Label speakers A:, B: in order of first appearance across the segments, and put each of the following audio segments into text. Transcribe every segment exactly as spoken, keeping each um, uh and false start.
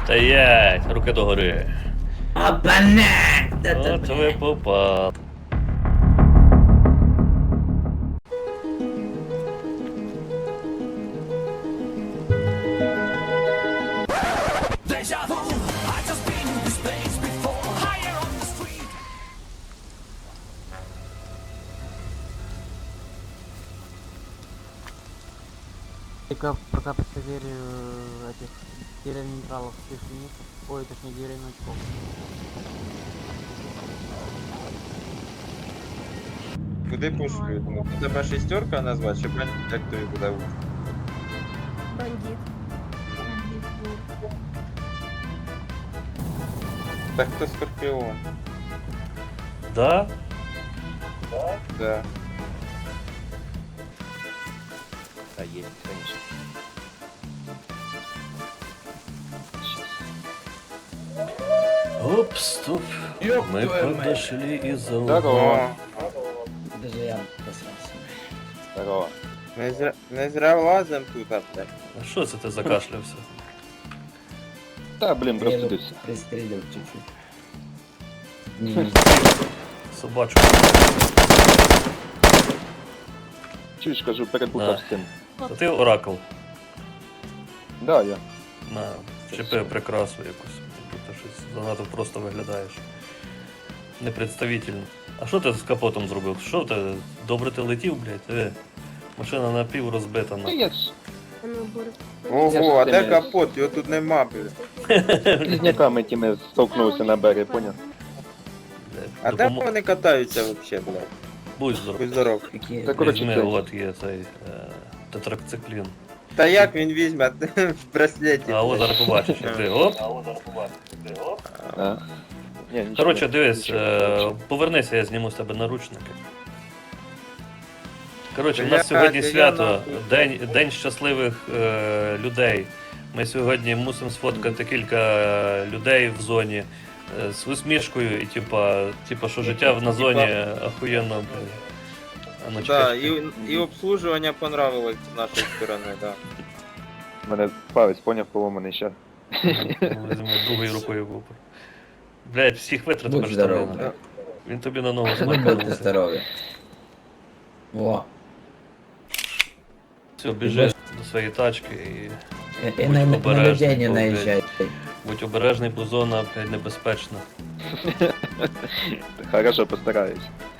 A: Стоять, руки догори.
B: Опана!
A: От ви попали.
C: Только пока проверю этих деревень нейтралов фишинистов, ой, точнее деревень очков.
D: Куди пошлють? Ну, тебе шестерка назвати, чи бандит, як тобі буде лучше?
E: Бандит.
D: Так хто Скорпіон?
A: Да?
D: Да.
F: Да, есть, конечно.
A: Оп, стоп. Мы подошли из-за
F: Здорово.
B: Даже я посрался.
F: Здорово.
D: Не зря, не зря влазим тут, а блядь.
A: А що це ти закашлявся?
F: Да, блин, простудился.
B: Пристрелил чуть-чуть. Не, не,
A: Собачку.
F: Чуть скажу, перепутав
A: Да.
F: з цим.
A: А ти оракул.
F: Да, я.
A: На, вчепи прикрасу якусь. Ти щось занадто просто виглядаєш. Непредставительно. А що ти з капотом зробив? Що ти? Добре ти летів, блядь? Е, машина напів розбита
F: Ну
A: на.
F: я ж
E: Ну, Борис.
D: Ого, а де
F: Я ж
D: капот? Його тут нема, блядь.
F: з близняками тими столкнувся на берег, поняв?
D: А де вони катаються вообще, блядь?
A: Будь здоров.
D: Будь здоров.
B: какие...
F: Так, коротше,
A: Візьми,
F: це-
A: от є цей е, тетракциклін.
D: Та як він візьме в браслеті?
A: А от
D: блядь?
A: зараз побачиш, як ти. Оп.
F: А. Ні, нічого.
A: Коротше, дивись,
F: Нічого,
A: е,
F: коротше.
A: повернися, я зніму з тебе наручники. Коротше, у
D: Бля,
A: нас сьогодні
D: я
A: свято,
D: нахуй.
A: день, день щасливих е, людей. Ми сьогодні мусимо сфоткати кілька е, людей в зоні е, з усмішкою і типа, типа, що життя на зоні охуєнно. блін. А ну,
D: Да,
A: чекай,
D: і, і обслужування понравилось з нашої сторони, да.
F: Мене палець, поняв, поломаний ще.
A: чекай. Візьму другою рукою в опор. Блять, всіх витратив
B: Будь
A: аж
B: здоров.
A: там. Він тобі на ногу
B: Ну, будьте
A: смакнувся.
B: здоровы. Во.
A: Все, біжи до своєї тачки і
B: И, и на, на
A: обережный,
B: людей не
A: бо, блядь.
B: наезжай.
A: будь обережний, бо зона, блядь, небезпечна.
F: Хорошо, постараюсь.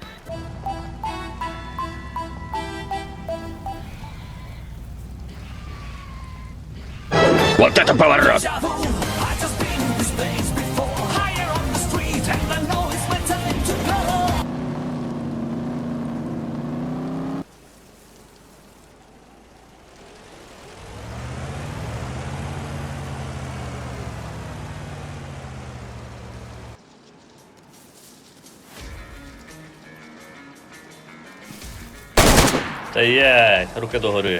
A: Стоять, руки догори.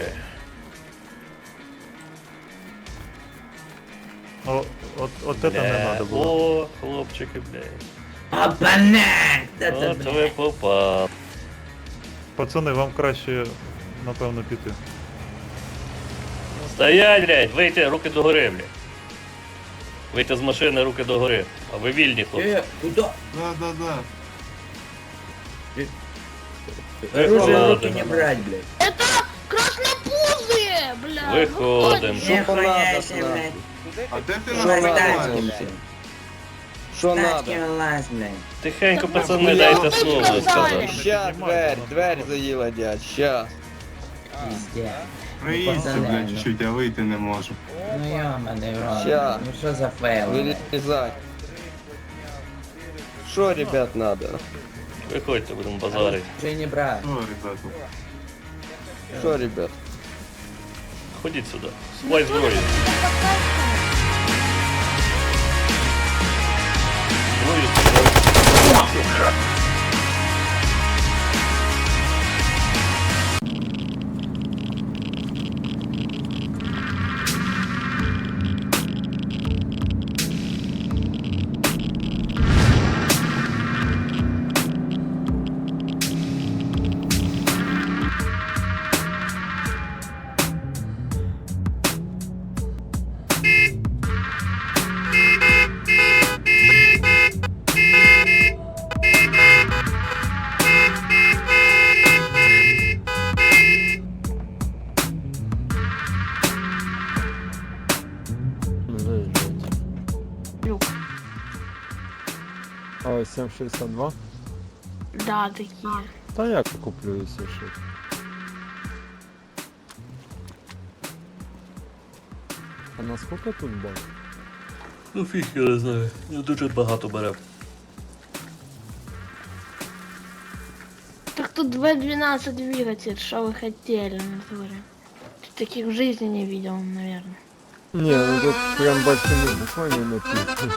G: О, от, от это не
A: Бля,
G: надо було.
A: О, хлопчики, блядь.
B: Опана! Да-да,
A: От
B: блядь.
A: ви попали.
G: Пацани, вам краще, напевно, піти.
A: Стоять, блядь, вийти, руки догори, блядь. Вийти з машини, руки догори. А ви вільні, хлопці.
B: Э, куда?
D: Да-да-да.
B: Оружие в руки
A: Виходимо.
B: не брать, блядь.
E: Это краснопузые, бля.
A: Виходимо.
B: Не хуяйся, блядь.
D: А де ти
B: Тачки, блядь.
H: Що
B: Тачки
H: надо?
B: вылазь, блядь.
A: Тихенько, пацани, дайте слово сказати.
H: Ща, дверь, дверь заїла, дядь, ща.
B: Пиздец.
I: Проїдься,
B: Пацани,
I: блядь,
B: ну.
I: чуть-чуть, а вийти не можу.
B: Ну ёбаный в рот.
H: Ща.
B: Ну что за фейл, блядь?
H: Вилізай. Що, ребят, надо?
A: Виходьте, будемо базарити.
B: Уже не брать.
I: О, ребята.
H: Що, ребят?
A: Ходіть сюди. Сховай зброю. Зброю сховай.
J: А, сім шістдесят два?
E: Да, такие.
J: Та я куплю, якщо що. А наскільки тут бак?
A: Ну фіг, я не знаю. Я дуже багато бере.
E: Так тут вэ двенадцать двигатель, что вы хотели, натуре? Таких в жизни не видел, наверное.
J: Не, ну тут прям большими буквами написано.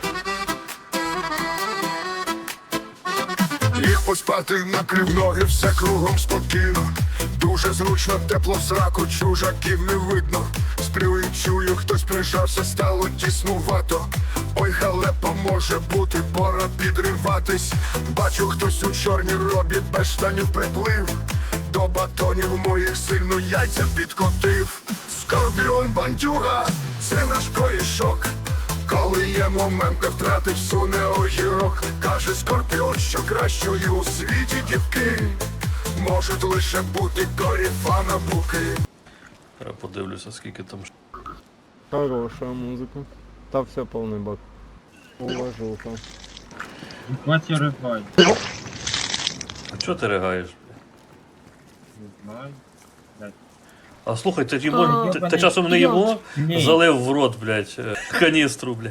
K: Ліг поспати, накрив ноги, все кругом спокійно. Дуже зручно, тепло в сраку, чужаків не видно. Сплю і чую, хтось прижався, стало тіснувато. Ой, халепа може бути, пора підриватись. Бачу, хтось у чорній робі без штанів приплив. До батонів моїх сильно яйця підкотив. Скорпіон бандюга, це наш корішок. Коли є момент, не втратить, суне огірок. Каже Скорпіон, що кращою у світі дівки можуть лише бути коріфана буки.
A: Я подивлюся, скільки там.
J: Хорошая музыка. Та все полный бак. Уважуха.
D: Хватит рыгать.
A: А чого ти ригаєш?
D: Не знаю.
A: А слухай, ти, йому,
E: А,
A: ти, ти часом не йому
D: Ні.
A: залив в рот, блядь, е, каністру, блядь.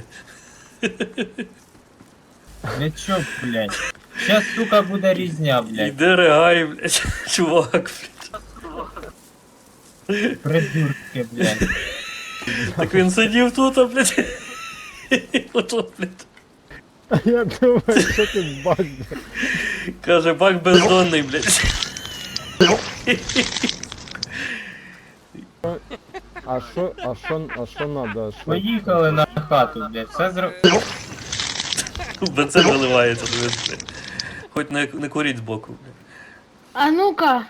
D: Не чо, блядь. Сейчас, сука, буде різня, блядь.
A: Іди ригай, блядь, чувак, блядь.
D: Придурки, блядь.
A: Так він сидів тут, а, блядь. Ото, блядь.
J: А я думаю, що тут бак, блядь.
A: Каже, бак бездонний, блядь.
J: А що, а що, а що надо? Що?
D: Поїхали на хату, блядь. Все зро...
A: Бензин виливається, дивись, блядь. Хоч не, не куріть збоку, блядь.
E: А ну-ка,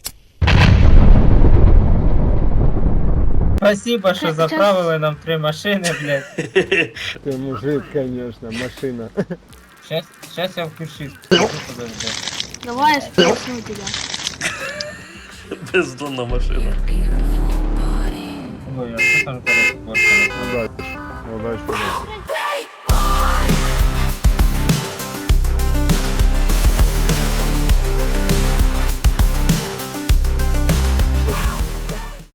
D: Спасибо, що
E: Щас-
D: заправили нам три машини, блядь.
J: Ти мужик, конечно, машина.
D: Щас, щас я включусь. Подожди.
E: давай я спросну тебя.
A: Бездонна машина.
D: Ой, а що там зараз?
J: Удачи. Удачи.